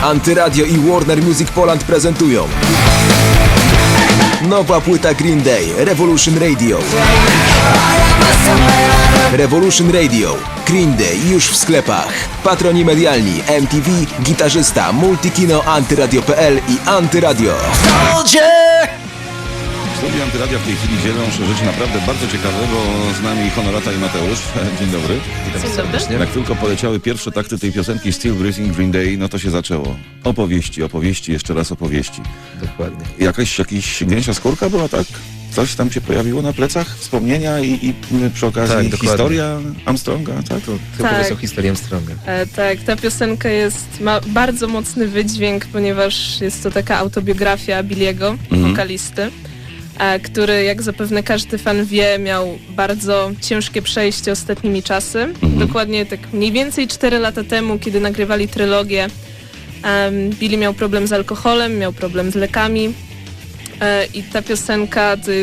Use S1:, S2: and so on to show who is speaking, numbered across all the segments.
S1: Antyradio i Warner Music Poland prezentują nowa płyta Green Day, Revolution Radio. Revolution Radio, Green Day już w sklepach. Patroni medialni MTV, gitarzysta, Multikino, Antyradio.pl i Antyradio.
S2: W studiu Antyradia w tej chwili dzielą się rzeczy naprawdę bardzo ciekawe, bo z nami Honorata i Mateusz. Dzień dobry.
S3: Witam serdecznie.
S2: Jak tylko poleciały pierwsze takty tej piosenki Still Breathing Green Day, no to się zaczęło. Opowieści, jeszcze raz opowieści.
S3: Dokładnie.
S2: Jakaś gęsia skórka była, tak? Coś tam się pojawiło na plecach? Wspomnienia i przy okazji
S3: Tak,
S2: historia Armstronga, tak?
S3: Ty opowiedz o historii Armstronga.
S4: Tak, ta piosenka ma bardzo mocny wydźwięk, ponieważ jest to taka autobiografia Billiego, wokalisty, który, jak zapewne każdy fan wie, miał bardzo ciężkie przejście ostatnimi czasy. Dokładnie tak mniej więcej 4 lata temu, kiedy nagrywali trylogię, Billy miał problem z alkoholem, miał problem z lekami i ta piosenka to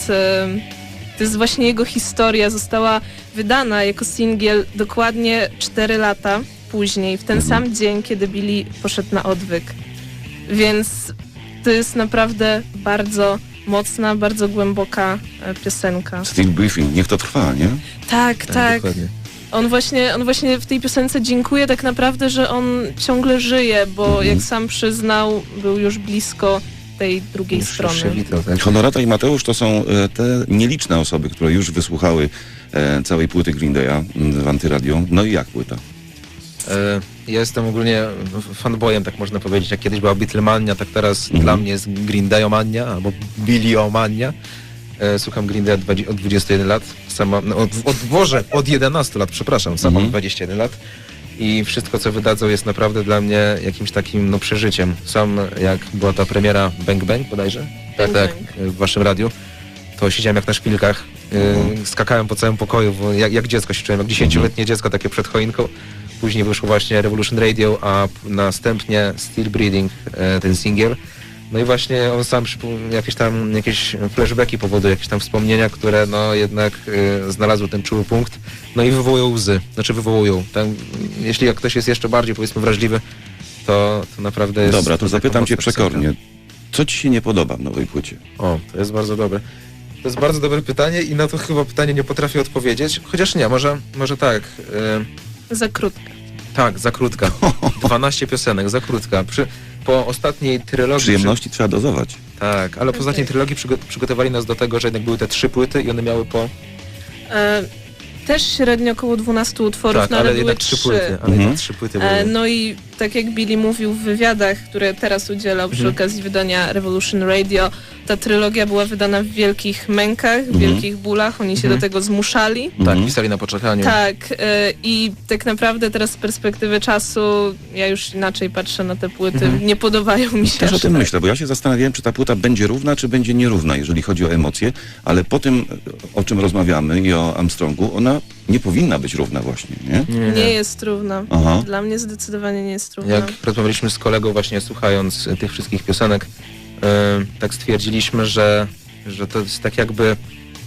S4: jest właśnie jego historia. Została wydana jako singiel dokładnie 4 lata później, w ten sam dzień, kiedy Billy poszedł na odwyk. Więc to jest naprawdę bardzo mocna, bardzo głęboka piosenka.
S2: Still Breathing, niech to trwa, nie?
S4: Tak.
S3: Dokładnie.
S4: On właśnie w tej piosence dziękuję tak naprawdę, że on ciągle żyje, bo jak sam przyznał, był już blisko tej drugiej strony.
S3: Przywitał, tak?
S2: Honorata i Mateusz to są te nieliczne osoby, które już wysłuchały całej płyty Green Day'a w Antyradio. No i jak płyta?
S3: Ja jestem ogólnie fanboyem, tak można powiedzieć. Jak kiedyś była Beatlemania, tak teraz dla mnie jest Green Dayomania albo Billiomania. Słucham Green Day od 21 lat. Od 11 lat, przepraszam. Sam mam 21 lat. I wszystko, co wydadzą, jest naprawdę dla mnie jakimś takim przeżyciem. Sam jak była ta premiera Bang Bang bodajże, tak, w waszym radiu, to siedziałem jak na szpilkach, skakałem po całym pokoju, bo jak dziecko się czułem, jak 10-letnie dziecko takie przed choinką. Później wyszło właśnie Revolution Radio, a następnie Still Breathing, ten singiel. No i właśnie on sam jakieś flashbacki powoduje, jakieś tam wspomnienia, które no jednak znalazły ten czuły punkt, no i wywołują łzy. Jeśli ktoś jest jeszcze bardziej, powiedzmy, wrażliwy, to naprawdę jest...
S2: Dobra, to zapytam cię przekornie.
S3: Piosenka.
S2: Co ci się nie podoba w nowej płycie?
S3: O, to jest bardzo dobre. To jest bardzo dobre pytanie i na to chyba pytanie nie potrafię odpowiedzieć. Chociaż nie, może tak.
S4: Za krótka.
S3: Tak, za krótka. 12 piosenek, za krótka. Po ostatniej trylogii...
S2: Przyjemności trzeba dozować.
S3: Tak, ale po ostatniej trylogii przygotowali nas do tego, że jednak były te 3 płyty i one miały po...
S4: Też średnio około 12 utworów,
S3: Tak,
S4: no ale były
S3: jednak
S4: 3.
S3: 3 płyty. Ale jednak 3 płyty były.
S4: No i tak jak Billy mówił w wywiadach, które teraz udzielał przy okazji wydania Revolution Radio, ta trylogia była wydana w wielkich mękach, w wielkich bólach, oni się do tego zmuszali.
S3: Tak, pisali na poczekaniu.
S4: Tak, i tak naprawdę teraz z perspektywy czasu ja już inaczej patrzę na te płyty, nie podobają mi się.
S2: Też o
S4: aż
S2: tym
S4: tak.
S2: myślę, bo ja się zastanawiałem, czy ta płyta będzie równa, czy będzie nierówna, jeżeli chodzi o emocje, ale po tym, o czym rozmawiamy i o Armstrongu, ona nie powinna być równa właśnie, nie?
S4: Nie jest równa.
S2: Aha.
S4: Dla mnie zdecydowanie nie jest równa.
S3: Jak rozmawialiśmy z kolegą właśnie słuchając tych wszystkich piosenek, tak stwierdziliśmy, że to jest tak jakby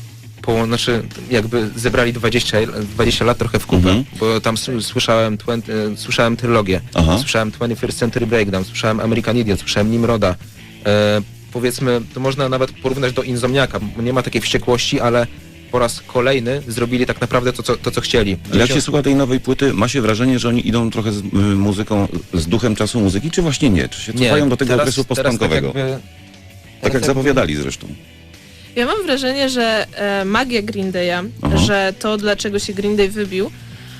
S3: jakby zebrali 20 lat trochę w kupę, bo tam słyszałem trylogię, słyszałem 21st Century Breakdown, słyszałem American Idiot, słyszałem Nimroda. Powiedzmy, to można nawet porównać do Insomniaka, bo nie ma takiej wściekłości, ale po raz kolejny zrobili tak naprawdę to, co chcieli.
S2: Ale jak się słucha tej nowej płyty, ma się wrażenie, że oni idą trochę z muzyką, z duchem czasu muzyki, czy właśnie nie? Czy się cofają do tego okresu postpunkowego? Tak jak zapowiadali zresztą.
S4: Ja mam wrażenie, że magia Green Day'a, że to, dlaczego się Green Day wybił,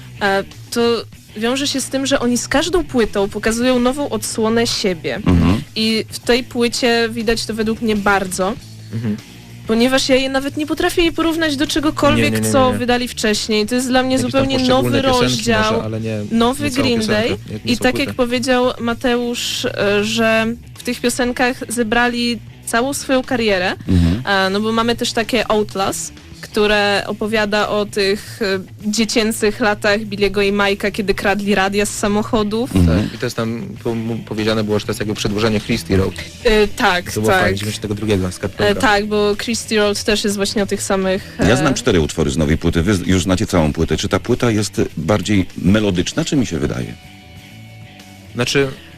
S4: to wiąże się z tym, że oni z każdą płytą pokazują nową odsłonę siebie. I w tej płycie widać to według mnie bardzo. Ponieważ ja nawet nie potrafię jej porównać do czegokolwiek, co wydali wcześniej. To jest dla mnie zupełnie nowy rozdział,
S3: może,
S4: nowy Green Day. I tak jak powiedział Mateusz, że w tych piosenkach zebrali całą swoją karierę, no bo mamy też takie Outlast, które opowiada o tych dziecięcych latach Billiego i Mike'a, kiedy kradli radia z samochodów.
S3: Tak. I to jest tam powiedziane było, że to jest jakby przedłużenie Christie Road.
S4: Tak,
S3: to było
S4: tak.
S3: 92
S4: tak, bo Christie Road też jest właśnie o tych samych...
S2: Ja znam 4 utwory z nowej płyty, wy już znacie całą płytę. Czy ta płyta jest bardziej melodyczna, czy mi się wydaje?
S3: Znaczy,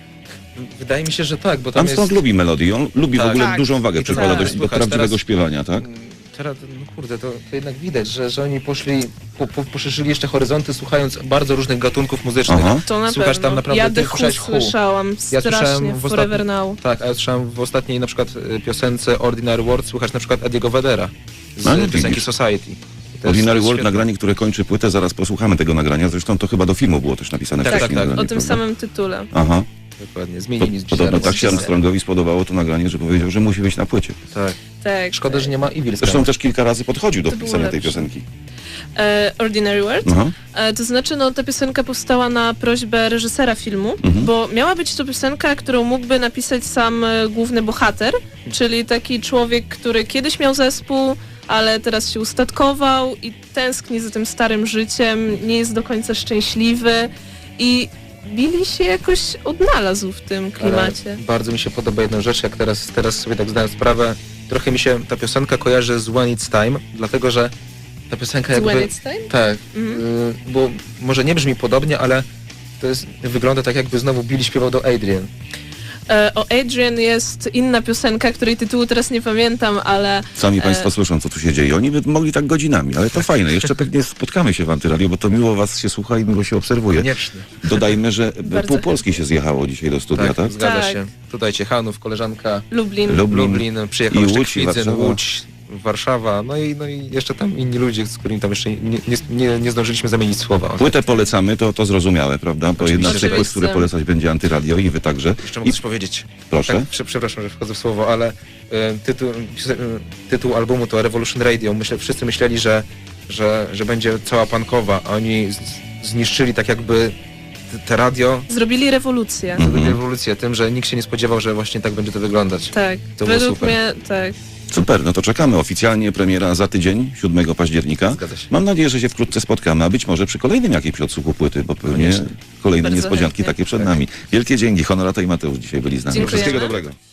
S3: Wydaje mi się, że tak, bo tam
S2: Armstrong
S3: jest...
S2: lubi melodię, on lubi w
S3: Tak.
S2: ogóle
S4: Tak.
S2: dużą wagę
S3: I to
S2: przykłada
S3: tak.
S2: do
S3: Słuchaj,
S2: prawdziwego
S3: teraz-
S2: śpiewania, tak?
S3: Teraz, no kurde, to jednak widać, że oni poszli, poszerzyli jeszcze horyzonty, słuchając bardzo różnych gatunków muzycznych.
S2: Aha.
S4: To na
S3: Słuchasz
S4: pewno.
S3: tam naprawdę,
S4: Ja
S3: ty
S4: The Who
S3: słyszałeś Who.
S4: słyszałam
S3: Ja
S4: strasznie,
S3: słyszałem w
S4: Forever Now.
S3: Tak, a ja słyszałem w ostatniej na przykład piosence Ordinary World, słuchasz na przykład Ediego Vedera z
S2: No,
S3: piosenki
S2: widzisz.
S3: Society. To
S2: Ordinary
S3: jest
S2: World,
S3: świetne.
S2: nagranie, które kończy płynę, zaraz posłuchamy tego nagrania, zresztą to chyba do filmu było też napisane
S3: Tak,
S2: wcześniej.
S3: tak,
S2: nagranie,
S4: O tym
S2: prawda?
S4: samym tytule.
S2: Aha.
S3: Dokładnie, zmienili z
S2: Podobno
S3: zaraz.
S2: tak się Armstrongowi spodobało to nagranie, że powiedział, że musi być na płycie.
S3: Tak.
S4: Tak.
S3: Szkoda, że nie ma Evil
S2: Zresztą
S3: Sky.
S2: też kilka razy podchodził do
S4: To było
S2: pisania tej
S4: lepsze.
S2: piosenki.
S4: Ordinary World?
S2: Aha.
S4: To znaczy, no ta piosenka powstała na prośbę reżysera filmu, bo miała być to piosenka, którą mógłby napisać sam główny bohater, czyli taki człowiek, który kiedyś miał zespół, ale teraz się ustatkował i tęskni za tym starym życiem, nie jest do końca szczęśliwy i Billy się jakoś odnalazł w tym klimacie.
S3: Ale bardzo mi się podoba jedna rzecz, jak teraz sobie tak zdałem sprawę, trochę mi się ta piosenka kojarzy z When It's Time, dlatego że ta piosenka jakby...
S4: When It's Time?
S3: Tak, bo może nie brzmi podobnie, ale to jest, wygląda tak, jakby znowu Billy śpiewał do Adrian.
S4: O Adrian jest inna piosenka, której tytułu teraz nie pamiętam, ale
S2: Sami Państwo słyszą, co tu się dzieje. Oni by mogli tak godzinami, ale to fajne. Jeszcze pewnie spotkamy się w Antyradio, bo to miło Was się słucha i miło się obserwuje.
S3: Koniecznie.
S2: Dodajmy, że
S4: Bardzo
S2: pół Polski się zjechało dzisiaj do studia, tak?
S3: Zgadza
S4: Tak.
S3: się. Tutaj Ciechanów, koleżanka
S4: Lublin.
S3: Lublin, przyjechał
S2: i
S3: jeszcze
S2: Łódź, i
S3: Kwidzyn,
S2: Warszawa.
S3: Łódź, Warszawa, no i jeszcze tam inni ludzie, z którymi tam jeszcze nie zdążyliśmy zamienić słowa.
S2: Płytę polecamy, to zrozumiemy, prawda? Bo jedna z tych płyt,
S4: Oczywiście.
S2: które polecać będzie Antyradio i Wy także.
S3: Jeszcze mogę
S2: I
S3: coś powiedzieć.
S2: proszę.
S3: Tak, przepraszam, że wchodzę w słowo, ale tytuł albumu to Revolution Radio. Wszyscy myśleli, że będzie cała punkowa, a oni zniszczyli tak jakby te radio,
S4: Zrobili rewolucję.
S3: zrobili rewolucję tym, że nikt się nie spodziewał, że właśnie tak będzie to wyglądać.
S4: Tak,
S3: To było
S4: według
S3: super.
S4: mnie tak.
S2: Super, no to czekamy. Oficjalnie premiera za tydzień, 7 października.
S3: Zgadza się.
S2: Mam nadzieję, że się wkrótce spotkamy, a być może przy kolejnym jakimś odsłuchu płyty, bo pewnie
S3: Koniecznie.
S2: kolejne
S4: Bardzo
S2: niespodzianki
S4: chętnie.
S2: takie przed nami. Wielkie dzięki. Honorata i Mateusz dzisiaj byli z nami.
S4: Dziękujemy.
S2: Wszystkiego dobrego.